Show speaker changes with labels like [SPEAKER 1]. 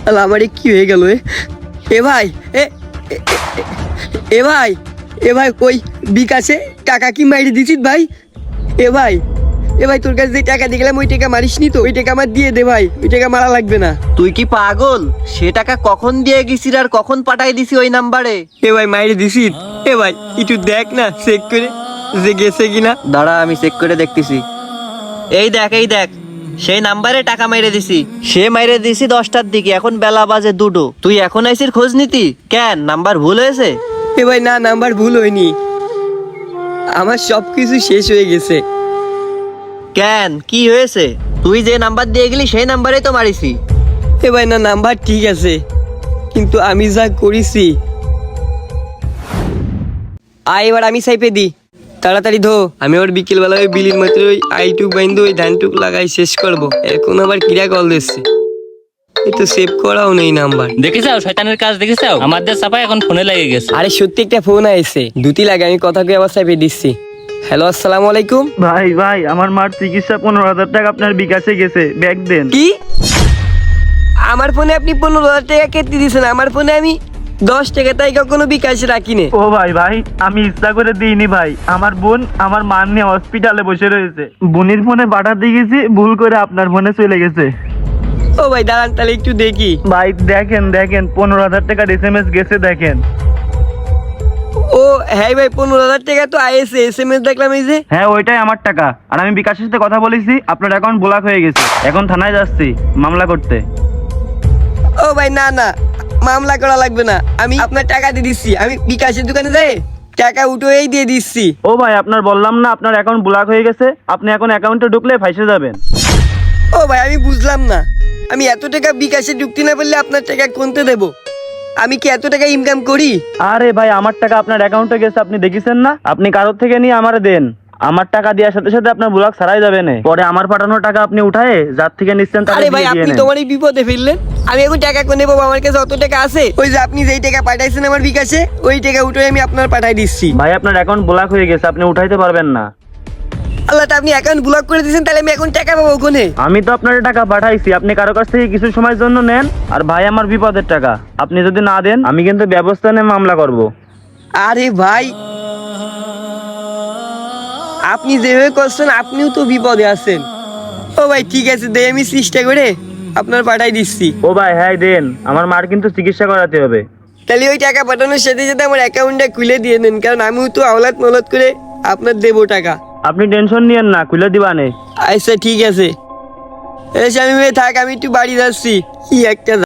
[SPEAKER 1] আল্লাহ আমারে কি হয়ে গেল এ ভাই এ ভাই কই বিকাশে টাকা কি মাইরে দিছিস ভাই? এ ভাই তোর কাছে যে টাকা দিয়ে গেলাম ওই টাকা মারিসনি তো? ওই টাকা আমার দিয়ে দে ভাই, ওই টাকা মারা লাগবে না।
[SPEAKER 2] তুই কি পাগল? সে টাকা কখন দিয়ে গেছিস আর কখন পাঠাই দিছি ওই নাম্বারে?
[SPEAKER 1] এ ভাই মাইরে দিছিস? এ ভাই একটু দেখ না চেক করে যে গেছে কিনা।
[SPEAKER 2] দাঁড়া আমি চেক করে দেখতেছি। এই দেখ সেই নাম্বারে টাকা মাইরে দিছি। সে মাইরে দিছি 10টার দিকে, এখন বেলা বাজে 2টো। তুই এখন আইসির খোঁজ নিতি কেন? নাম্বার ভুল হয়েছে?
[SPEAKER 1] এ ভাই না, নাম্বার ভুল হয়নি, আমার সব কিছু শেষ হয়ে গেছে।
[SPEAKER 2] কেন কি হয়েছে? তুই যে নাম্বার দিয়ে গেলি সেই নাম্বারেই তো মারিছি।
[SPEAKER 1] এ ভাই না, নাম্বার ঠিক আছে কিন্তু আমি যা করেছি। এবার আমি সাইপে দি, তাড়াতাড়ি ধো। আমি ওর বিকেলবেলা ওই বিলির মাত্র ওই আইটুক বাইন্দু ওই ধানটুক লাগাই শেষ করব। এখন আবার কিরা কল দিচ্ছে, এই তো সেভ করাও নেই নাম্বার।
[SPEAKER 3] দেখেছাও শয়তানের কাজ, দেখেছাও আমাদের চাপা এখন ফোনে লেগে গেছে।
[SPEAKER 1] আরে সত্যি একটা ফোন আইছে, দুটি লাগে, আমি কথা কই আবার সাইপে দিচ্ছি। হ্যালো, আসসালামু আলাইকুম।
[SPEAKER 4] ভাই আমার মার চিকিৎসা 15,000 টাকা আপনার বিকাশে গেছে, ব্যাগ দেন।
[SPEAKER 1] কি? আমার ফোনে আপনি 15,000 টাকা কেটে দিয়েছেন? আমার ফোনে আমি 10 টাকা তাই কখনো বিকাশ রাখিনি।
[SPEAKER 4] ও ভাই আমি ইচ্ছা করে দিইনি ভাই। আমার বোন আমার মা নিয়ে হসপিটালে বসে রয়েছে, বোনের ফোনে পাঠাতে গেছি, ভুল করে আপনার ফোনে চলে গেছে।
[SPEAKER 1] ও ভাই দাঁড়ান তাহলে একটু দেখি।
[SPEAKER 4] ভাই দেখেন 15,000 টাকার SMS গেছে, দেখেন।
[SPEAKER 1] ও হ্যাঁ ভাই, 15,000 টাকা তো আইএসএ, SMS দেখলাম এই যে।
[SPEAKER 4] হ্যাঁ ওইটাই আমার টাকা, আর আমি বিকাশের সাথে কথা বলেছি, আপনার অ্যাকাউন্ট ব্লক হয়ে গেছে। এখন থানায় যাচ্ছি মামলা করতে।
[SPEAKER 1] ও ভাই না, মামলা করা লাগবে না, আমি আপনার টাকা দিয়ে দিচ্ছি। আমি বিকাশের দোকানে যাই টাকা উঠেই দিয়ে দিচ্ছি।
[SPEAKER 4] ও ভাই আপনার বললাম না আপনার অ্যাকাউন্ট ব্লক হয়ে গেছে, আপনি এখন অ্যাকাউন্টে ঢুকলে ফাঁসে যাবেন।
[SPEAKER 1] ও ভাই আমি বুঝলাম না, আমি এত টাকা বিকাশে ঢুকতে না পারলে আপনার টাকা কোনতে দেব? আমি কি এত টাকা ইনকাম করি?
[SPEAKER 4] আরে ভাই আমার টাকা আপনার অ্যাকাউন্টে গেছে, আপনি দেখেছেন না? আপনি কারোর থেকে নিয়ে আমারে দেন, আমার টাকা দেওয়ার সাথে সাথে আপনার ব্লক ছাড়াই যাবে না। পরে আমার পাঠানোর টাকা আপনি উঠায়ে যার থেকে নিচ্ছেন তাকে
[SPEAKER 1] আরে ভাই
[SPEAKER 4] দিয়ে
[SPEAKER 1] আপনি
[SPEAKER 4] নেন।
[SPEAKER 1] তোমার এই বিপদে ফেললেন, আমি এখন টাকা কোনে পাবো? আমার কাছে অত টাকা আছে, ওই যে আপনি যেই টাকা পাঠাইছেন আমার বিকাশে ওই টাকা উঠে আমি আপনার পাঠাই দিচ্ছি।
[SPEAKER 4] ভাই আপনার অ্যাকাউন্ট ব্লক হয়ে গেছে, আপনি উঠাইতে পারবেন না।
[SPEAKER 1] আল্লাহ, তা আপনি অ্যাকাউন্ট ব্লক করে দিয়েছেন, তাহলে আমি এখন টাকা পাবো কোনে?
[SPEAKER 4] আমি তো আপনার টাকা পাঠাইছি, আপনি কারো কাছ থেকে কিছু সময়ের জন্য নেন। আর ভাই আমার বিপদের টাকা, আপনি যদি না দেন আমি কিন্তু ব্যবস্থা নিয়ে মামলা করব।
[SPEAKER 1] আরে ভাই আপনি যেভাবে করছেন আপনিও তো বিপদে আছেন। ও ভাই ঠিক আছে, দে আমি চেষ্টা করে আপনার পাঠাই দিচ্ছি।
[SPEAKER 4] ও ভাই হ্যাঁ দেন, আমার মার কিন্তু চিকিৎসা করাতে হবে।
[SPEAKER 1] তাহলে ওই টাকা পাঠানোর সাথে সাথে আমার অ্যাকাউন্টটা খুলে দিয়ে দেন, কারণ আমিও তো আওলাদ মলাদ করে আপনার দেবো টাকা।
[SPEAKER 4] আপনি টেনশন নিয়েন না, খুলে দিবানে।
[SPEAKER 1] আচ্ছা ঠিক আছে, এসে আমি থাক, আমি একটু বাড়ি যাচ্ছি। কি একটা